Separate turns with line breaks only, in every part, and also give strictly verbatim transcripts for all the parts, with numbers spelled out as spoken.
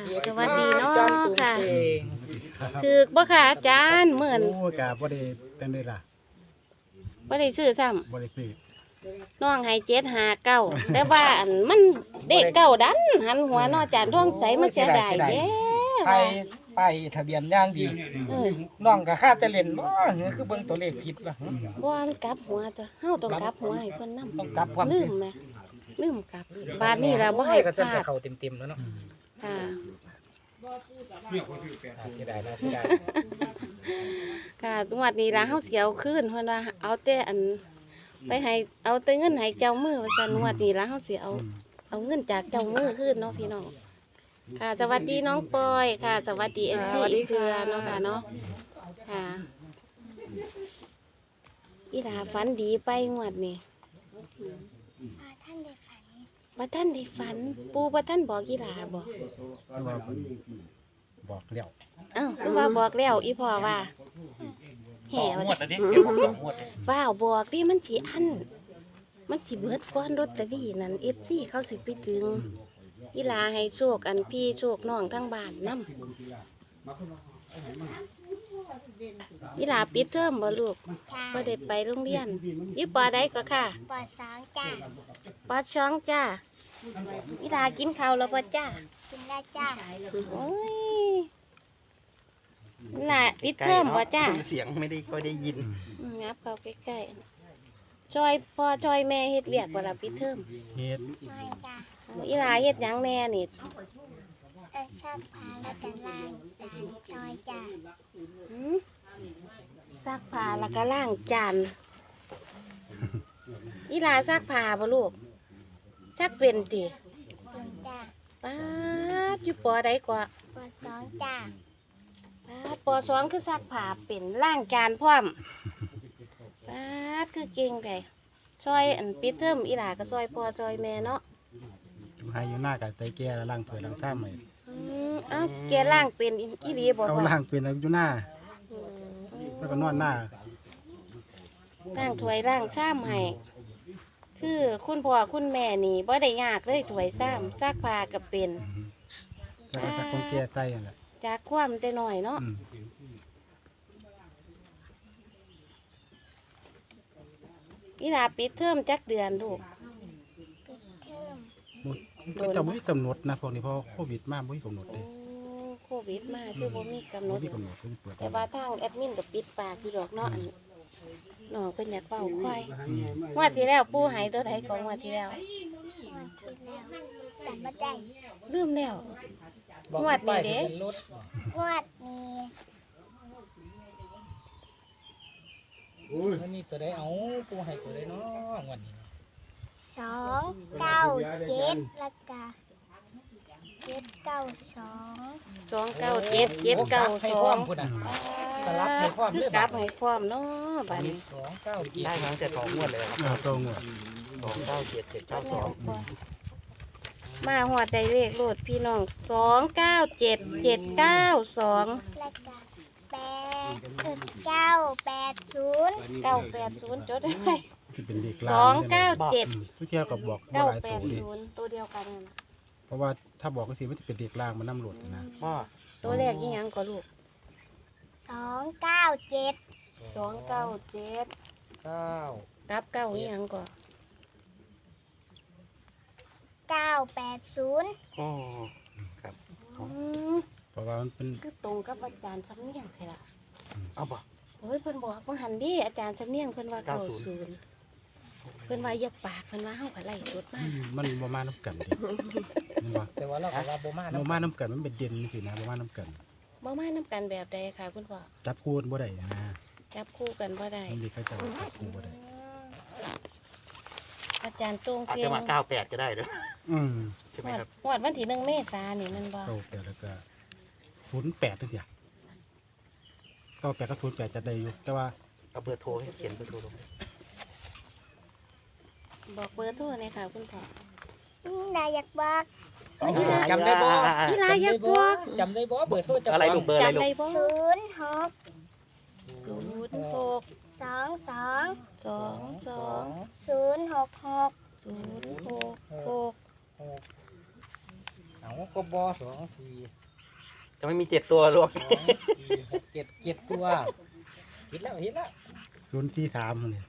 สวัสดีเนาะค่ะถือบ่ค่ะอาจารย์เหมือน
โอ้กะบ่ได้จังได๋ล่ะ
บ่ได้ซื้อซ้ำ
บ่ได้ซื้อ
น้องให้เจ็ดหาเก้าแต่ว่าอันมันเด็กเก้าดันหันหัวเนาะอาจารย์ท้องใสมันเสียดายเด้
ไปไปทะเบียนย่างดี
เออ
น้องก็ค่าแต่เล่นบ่เฮ้ยคือเบิ่งตัวเลขผิดว่ะ
บ่มันกลับหัวตัวเฮาต้องกลับหัวให้เพิ่นนำ
ต้องกลับความ
ลื
จริ
ม
ง
แหมลืมกลับบาดนี้ล่ะบ่ให้
ก็
พ
จะ
ลา
ไป
ด
เข้าเต็มๆแล้วเนาะ
ค่ะ
น่าเสียดายน่าเสียดาย
ค่ะจังหวัดนี้ล่ะเฮาสิเอาคืนเพิ่นว่าเอาแต่อันไปให้เอาแต่เงินให้เจ้ามือว่าซั่นงวดนี้ล่ะเฮาสิเอา เอาเงินจากเจ้ามือคืนเนาะพี่น้อง ค่ะสวัสดีน้องปอยค่ะ สวัสดีเอ็นซีอีกเครือเนาะค่ะเนาะ ค่ะอีหลาฝันดีไปงวดนี่
ท่านได้ฝัน
บ่ท่านได้ฝัน ปูบ่ท่านบอกอีหลาบอก
คือว่าเพิ่นบอกแล้ว
เอ้าคือว่าบอกแล้วอีพ่อว่าแห่ว่า ฟ้าวบอกดิมันสิอัน มันสิเบิดก้อนรถตะลี่นั่น เอฟ ซี เขาสิไปถึงอีหลาให้โชคอันพี่โชคน้องทั้งบ้านนำอีหลาปิดเทอมบ่ลูก
จ้า
บ่ได้ไปโรงเรียนอยู่ปอใดก็ค่ะ
ปอดสองจ้า
ปอช่องจ้าอีหลากินข้าวแล้วบ่จ้า
กินได้จ้า
โอ้ยอีหลาปิดเทอมบ่จ้า
เสียงไม่ได้ค่อยได้ยิน
อืมงับเข้าใกล้ๆช่วยพ่อช่วยแม่เฮ็ดเวียกบ่ล่ะปิดเทอม
เฮ็ด
ช่วยจ้า
อีหลาเฮ็ดหยังแน่นี่
เออชอบพาแล้วกันลายจานช่วยจ้า
หืมซักผ้าแล้วก็ล้างจานอีหลาซักผ้าบ่ลูกซักเป็นติ
เป็นจ้า
ป๊าดอยู่ปอใดกว่า
ปอดสองจ้า
ป๊าดปอสองคือซักผ้าเป็นล้างจานพร้อมป๊าดคือเก่งไดช่วยอันปิดเทอมอีหลาก็ช่วยพ่อช่วยแม่เนาะ
อยู่ให้อยู่หน้าก็ใจแก่แล้วล้างถ้วยล้างชามให้
อืมเอ้าแกล้างเป็นอีหลีบ่
เอา
พ่อ
ล้างเป็นอยู่หน้า
อืม
แล้วก็นอนหน้า
ล้างถ้วยล้างชามให้คือคุณพ่อคุณแม่นี่บ่ได้ยากเลยถ้วยซ้ำซักผ้าก็เป็น
แล้วก็ถ้าคนแก่ใส่นั่นแหละ
จากความแต่น้อยเนาะ
อืม
อีหลาปิดเทอมจักเดือนลูก
ปิดเทอม
ก็จะบ่มีกำหนดนะพวกนี้เพราะโควิดมาบ่มีกำหนด
โอ้
เด้
โควิดมาคือบ่มีกำหน
บ่
ด
มีกำหนดเพิ่นเปิด
แต่ว่าทางแอดมินก็ปิดปากอยู่ดอกเนาะอันน้องเพิ่นอยากเว้าควาย
อืม
งวดที่แล้วปู่ให้ตัวใดของงวดที่แล้ว
วันที่แล้วจำไม่ได้
ลืมแล้ว
บอก
งวดนี้เด้
ป้ายทะเบียนรถ
งวดนี้
มันนี่ตัวใดเอาปูให้ตัวใดเนาะงวดนี้
สองเก้าเจ็ดแล้วก็เจ็ดเก้าสอง
สองเก้าเจ็ดเจ็ดเก้า
ให้
ส
พ
อ
ร้อง มพุ่นน่ะสลับให้พร้อม
คื
เล
อย ก
บั
ลั
ด
บให้พร้อมเนาะบัดนี้
สองเก้าเจ็ด
ได้มาตั้งแต่สองงวดเลยครับ
เอาตรงหมด
สองเก้าเจ็ดเจ็ดเก้าสอง
มาหอดได้เลขโลดพี่น้องสองเก้าเจ็ดเจ็ดเก้าสอง
แล้วก็แปดเออเก้าแปดศูนย์
เก้าแปดศูนย์จดได้ไหม
ที่เป็นเลข
ส
ลา
อง งเก้าเจ็ด
อืมทุกเที่ยวก็บอกบ่
เก้า
หลาย
แป
ตัว
ด
ดิ
ศูนย์ตัวเดียวกันนั่นน่ะ
เพราะว่าถ้าบอกก็สิมันจะเป็นเลขลางมันนำโหลดนะ
พ่อ
ตัวแรกยี่ยังก็ลูก
สองเก้าเจ็ด
สองเก้าเจ็ด
เก้า
กับเก้ายี่ยังก็
เก้าแปดศูนย์
อ๋อ
อืม
เพราะว่ามันเป็น
คือตรงกับอาจารย์สำเนียงเลยล่ะ
เอาบ่
โอ้ยเพิ่นบอกว่าหันดิอาจารย์สำเนียงเพิ่นว่าเก้าศูนย์เพิ่นว่าอย่าปากเพิ่นว่าเฮาก็ไล่สดมา
มันบ่มาน้ำกันดิมันว่า
แต่ว่าเราก็ว่าบ่มา
บ่
เนาะ
มาน้ำกันมันเป็นเด่นสินะบ่มาน้ำกัน
บ่มานํกันแบบใดค่ะคุณพ่อ
จับคู่บ่ได้นะ
จับคู่กันบ่ได้
มันมีใครจับจับคู่บ่ได้
อาจารย์ตรง
อาจ
เพีย
จะ
ง
มาเก้าแปดก็ได้เด้อ
อืม
ใช่ไหมครับ
งวดวันที่หนึ่งเมษายนนี่มันบ่
เก้าแปดแล้วก็ศูนย์แปดจังซี่อะเก้าแปดกับศูนย์แปดจะได้อยู่ แต่ว่า
เอาเบอร์โทรให้เขียนเบอร์โทรลง
บอกเบอร์โทรเลยค่ะคุณพ่อ
นายอยากบอก
จำได้บ่
อีหลาอยากบอก
จำได้บ่เบอร์โทรเจ้าขง
อะไรลูกเบอร์อะไรลู
จำได้
ก
บ่
ศูนย์หก
ศูนย์หก
สองสอง
สองสอง
ศูนย์หกหก
ศูนย์หกหก
เอาก็บอสองสี่
จะไม่มีเจ็ดตัวหรอก
สองสี่หกเจ็ดเจ็ดตัวเห็นแล้วเห็นแล้ว
ศูนย์ที่สามเนี่ย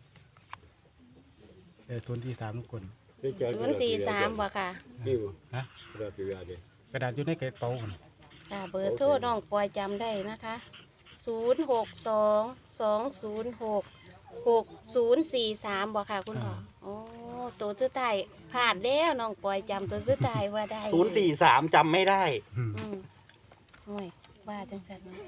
เออศูนย์ที่สามทุกคน
ศูนย์สี่สามบ่ค่ะ
ฮะกระดาษอยู่ในกระเป๋ามัน
ค่ะเบอร์โทรน้องปอยจำได้นะคะศูนย์หกสองสองศูนย์หกหกศูนย์สี่สามบ่ค่ะคุณพ่อโอ้ตัวสุดท้ายผ่านแล้วน้องปอยจำตัวสุดท้ายว่าได้
ศูนย์สี่สามจำไม่ได้
อืม
อืมห่วยว่าจังสันนะ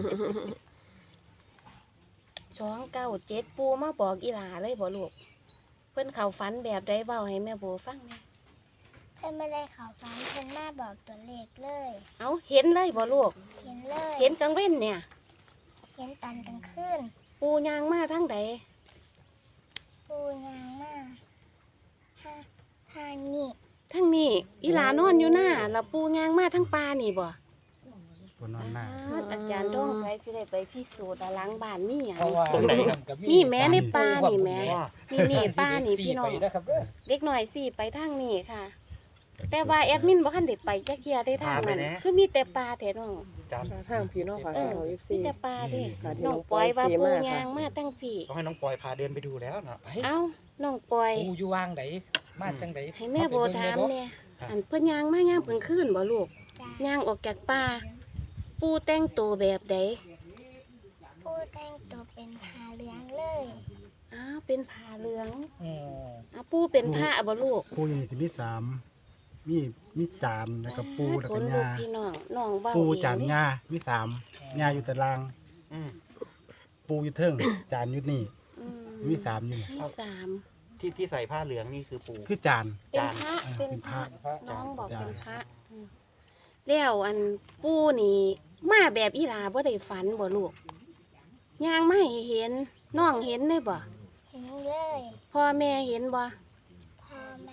สองเก้าเจ็ดปูมาบอกอีหลาเลยบ่ลูกเพิ่นเขาฝันแบบใดเว้าให้แม่โบฟังแหน่
เพื่อนไม่ได้เขาฟันเพื่อนมาบอกตัวเลขเลย
เอาเห็นเลยบ่ลูก
เห็นเลย
เห็นจังเว้นเนี่ย
เห็นตอนกลางคืน
ปูยางมาทั้งใด
ปูยางมาห้าห้านี่
ทั้งนี้อีหลานอนอยู่หน้าแล้วปูยางมาทั้งปลานี่บ่
ตัวนอนหน้า
อ่าอาจารย์ต้องไปสิได้ไปพิสูจน์ว่าหล้างบ้านมีหยัง
เพราะว่า
ตรงไหน
กับ
นี่แม่ในป่านี่แม่
ว่า
นี่นี่ป้านี่พี่น้อง
สี่ไปนะครับเด้อ
เด็กหน่อยสิไปทางนี้ค่ะ แต่ว่าแอดมินบ่คันได้ไปจักเที่ยได้ทางนั้นคือมีแต่ปลาแท้น้อง
จำ
ทางพี่น้องฝาก
เอ
ข
อ
องเอฟ
มี
ซี
แต่ปลาเด้
ค่ะที่
น้
น้
อ
อง ง
ปอยว่า
ปอย
ปู
สีมาก
ยางมาทั้งพี่
ต้องให้น้องปอยพาเดินไปดูแล้วเนาะ
ไป
เอ้าน้องปอย
ปูอยู่วางไหนมาจังได
ให้แม่โบถามเนี่ยอันเพิ่นยางมายามเพิ่นคืนบ่ลูก
จ้ะ
ยางออกจากป่าปูแต่งตัวแบบใด
ปูแต่งตัวเป็นผ้าเหลืองเลย
อ้าวเป็นผ้าเหลือง
อืม
อ้าวปูเป็นผ้าบ่ลูก
ปูอยู่นี่สิมีสามมีมีจานแล้วก็ปูแล้ว
ค
ก็
นลูก
ยา
พี่น้องน้องเว้า
ปู
เอง
จานยามีสามยาอยู่ตาราง
อืม
ปูอยู่เทิงจานอยู่นี่
อื
มีสามอยู่นี่
มีสาม
ที่ที่ใส่ผ้าเหลืองนี่คือปู
คือจาน
เป็นพระ
เออ
เป็นพระ
เป็นพระ
น้องบอก
จ้ะ
เป็นพระอืมแล้วอันปูนี่มาแบบอีหลาบ่ได้ฝันบ่ลูกย่างมาให้เห็นน้องเห็นได้บ่
เห็นเลย
พ่อแม่เห็นบ่
พ่อแม่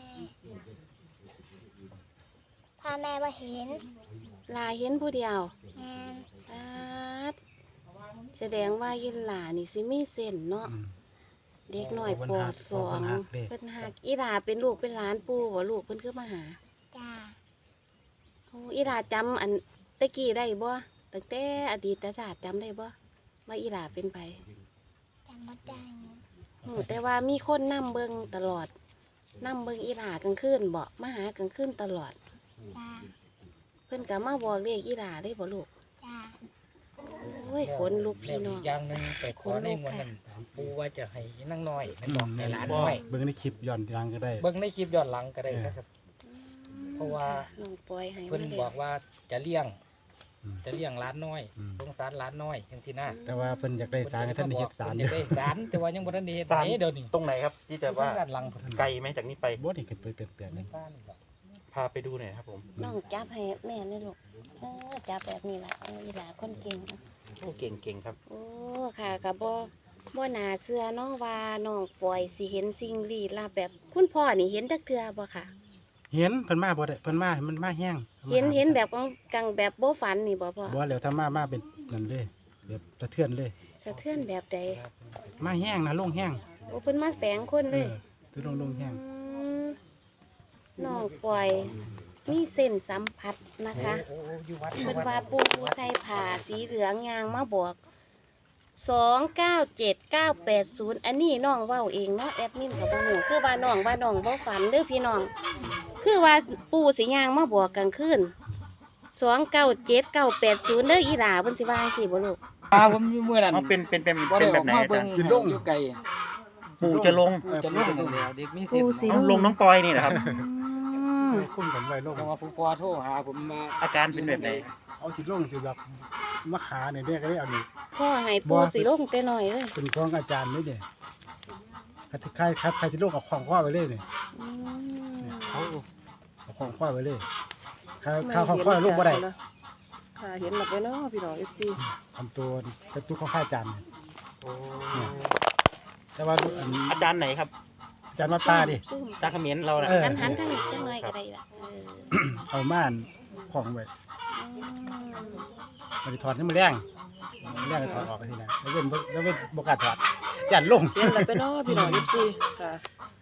พ่อแม่ว่าเห็น
ลาเห็นผู้เดียว
งาน
อาดแสดงว่ายินหลานี่สิมีเส้นเนาะ
อืม
เด็กน้อยปอดสอง
เด็ก
เพิ่นหักอีหลาเป็นลูกเป็นหลานปู่บ่ลูกเพิ่นคือมาหา
จ้า
โอ้อีหลาจำอันตะกี้ได้บ่ตั้งแต่อดีตศาสตร์จำได้บ่ว่าอีหลาเป็นไผ
จำไม่ได้
หูแต่ว่ามีคนนํเบิ่งตลอดนํเบิ่งอีหลากลางคืนบ่มาหากลางคืนตลอด
จ้า
เพิ่นก็มาบอกเลขอีหลาได้บ่ลูก
จ้า
โอ้ยขนลุกพี่น้อง
แล้วกอย่างหนึงไปขอในงวดนั้นปูว่าจะให้นั่งน้อยมันบอกให้หลานน้อย
เบิ่งในคลิปย้อนหลังก็ได้
เบิ่งในคลิปย้อนหลังก็ได้นะครับ เพราะว่า
น้องปอยให้
เพิ่น
มา
บอกว่าจะเลี้ยง
อืม
จะเลี้ยงหลานน้อย
อืม
สงสารหลานน้อยจังซี่นะ
แต่ว่าเพิ่นอยากได้สารให้ท่านได้เฮ็ดสาร
เพิ่นอยากได้สารแต่ว่ายังบ่ทันได้เฮ็ดไหนเดี๋ยวนี้
ตรงไหนครับ ที่จะว่า
ด้านหลังเพิ่น
ไกลไหมจากนี้ไป
บ่ได้เกิดไปเปลี่ยนๆนึง
บ้านนี่แหละ
พาไปดูหน่อยครับผม
น้องจับให้แม่เลยลูกเออจับแบบนี้ล่ะเอออีหลาคนเก่งเนาะ
โอ้เก่งเก่งครับ
โอ้ค่ะก็บ่บ่น่าเชื่อเนาะว่าน้องปอยสิเห็นสิ่งลี้ลับแบบคุณพ่อนี่เห็นจักเทื่อบ่ค่ะ
เห็นเพิ่นมาบ่ได้เพิ่นมามันมาแห้ง
เห็นเห็นแบบกังแบบบ่ฝันนี่บ่พ่อ
บ่แล้วถ้ามามาเป็นนั่นเลยแบบสะเทือนเลย
สะเทือนแบบใด
มาแห้งนะลงแห้ง
โอ้เพิ่นมาแฝงคนเลย
ออคือลงลงแห้ง
อืมน้องปอยมีเส้นสัมผัสนะคะ
โอ้โอ้อยู่วัด
เพิ่นว่าปูใส่ผ้าสีเหลืองยางมาบอกสองเก้าเจ็ดเก้าแปดศูนย์อันนี้น้องเว้าเองเนาะแอดมินกับบ่ฮู้คือว่าน้องว่าน้องบ่ฝันเด้อพี่น้อง คือว่าปูสิยางมาบอกกลางคืนสองเก้าเจ็ดเก้าแปดศูนย์เด้ออีหลาเพิ่นสิว่าจังซี่บ่ลูก
อ่าผมอยู่มื้อนั้น
เอาเป็นเป็นเป็น
บ่
เป็
ได้
น
อ
แบ
อบ ก
ไหน
มา
อา
เบิ่
จาง รย์
อยู่ไกล
ปูจะลง
จะลงแล้วเด็กมีสิ
ปู
ทธิ์
สิ
เอาลงน้องปอยนี่นะครับ
อืม
คุ้มกันไว้ลง
จังว่าผู้ปอโทรหาผมมา
อาการเป็นแบบไหน
เอาสิลงสิแบบมะขาเนี่ยเด้ก็ได้เอานี่
พ่อให้ปูสิลงแต่น้อยเลย
เป็นของอาจารย์นี่เด้คัดใครคัดใครสิลงเอาของข้อไว้เลยนี่
อืม
เขาเอาของข้อไว้เลยข้าวข้าวของข้อลงบ่ได้
ค่ะเห็นหลับไปเนาะพี่น้องเอฟซี
ทำตัวกระตุกของข้าอาจารย์เนี่ย
โอ้
แต่ว่าอัน
อาจารย์ไหนครับ
อาจารย์มาป้าดิ
ซุ่ม
อาจารย์เขมิ้นเราน่ะ
เออ
กันหันทางนี้จังหน่อยก็ได้ล่ะเออ
เอาม่านของไว้
อืม
มันจะถอดให้มันแรงมันแรงก็ถอดออกไปทีนะแล้วเป็นแล้วเป็นบกล้าถอดยันลง
เห็นหลับไปเนาะพี่น้องเอฟซีค่ะ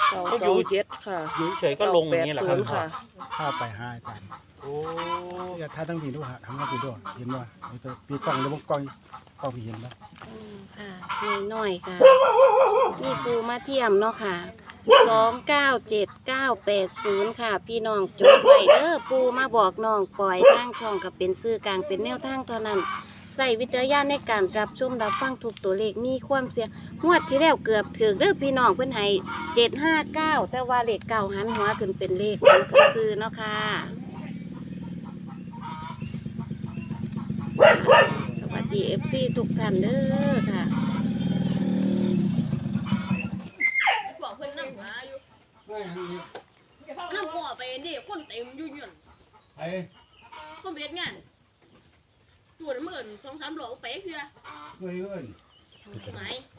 เก้าสองเจ็ดค่ะ
อยู่เฉยๆก็ลงอย่างนี้แหละครับ
เก้าแปดศูนย์ค่ะ
เข้าไปห้าอาจารย์
โอ้
อย่าท่าทั้งทีด้วยฮะทำทั้งทีด้วยเห็นว่าไอ้ตัวปีกล้องหรือว่ากล้องกล้องพี่เห็นไหม
อืมค่ะน้อยๆค่ะมีปูมาเทียมเนาะค่ะสองเก้าเจ็ดเก้าแปดศูนย์ค่ะ พี่น้องจดไว้เด้อปูมาบอกน้องปล่อยทางช่องกับเป็นซื้อกลางเป็นแนวทางเท่านั้นใส่วิจารณญาณในการรับชมรับฟังทุกตัวเลขมีความเสี่ยงงวดที่แล้วเกือบถึงเด้อพี่น้องเพิ่นให้เจ็ดห้าเก้าแต่ว่าเลขเก้าหันหัวขึ้นเป็นเลขซื้อๆเนาะค่ะสวัสดี เอฟ ซี ทุกท่านเด้อค่ะ
บอกเพิ่นนั่งหาอยู่นั่งพ่อไปนี่คนเต็มอยู่อยู่
ไอ้
คนเฮ็ดงานตัวน้ำเอิ้นสองสามโลไปเพื่อ
เพื่อน
ไหน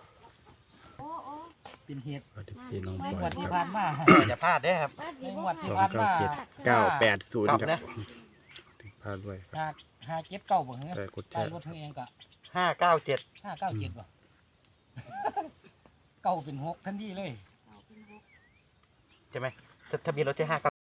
เป็นเหตุ
ที่น้องป
ใน
อย
งวดที่
ครับ
ผ่านมา
อย่าพลาดเด้อครับ
ในงวด
ส
ที่
อง
ผ่าน
เก้า
มา
เจ็ดเก้าแปดศูนย์
ครับ
ครับ
นะ
พลาดด้วยครับ
ห้าห้าเจ็ดเก้าบ่เหรอ
แต่กดแช
ใต้
ร์
รถเธอเองก็
ห้าเก้าเจ็ด
ห้าเก้าเจ็ดบ่ เก้าเป็นหกทันทีเลย
ใช่ไหมทะเบียนรถที่ห้า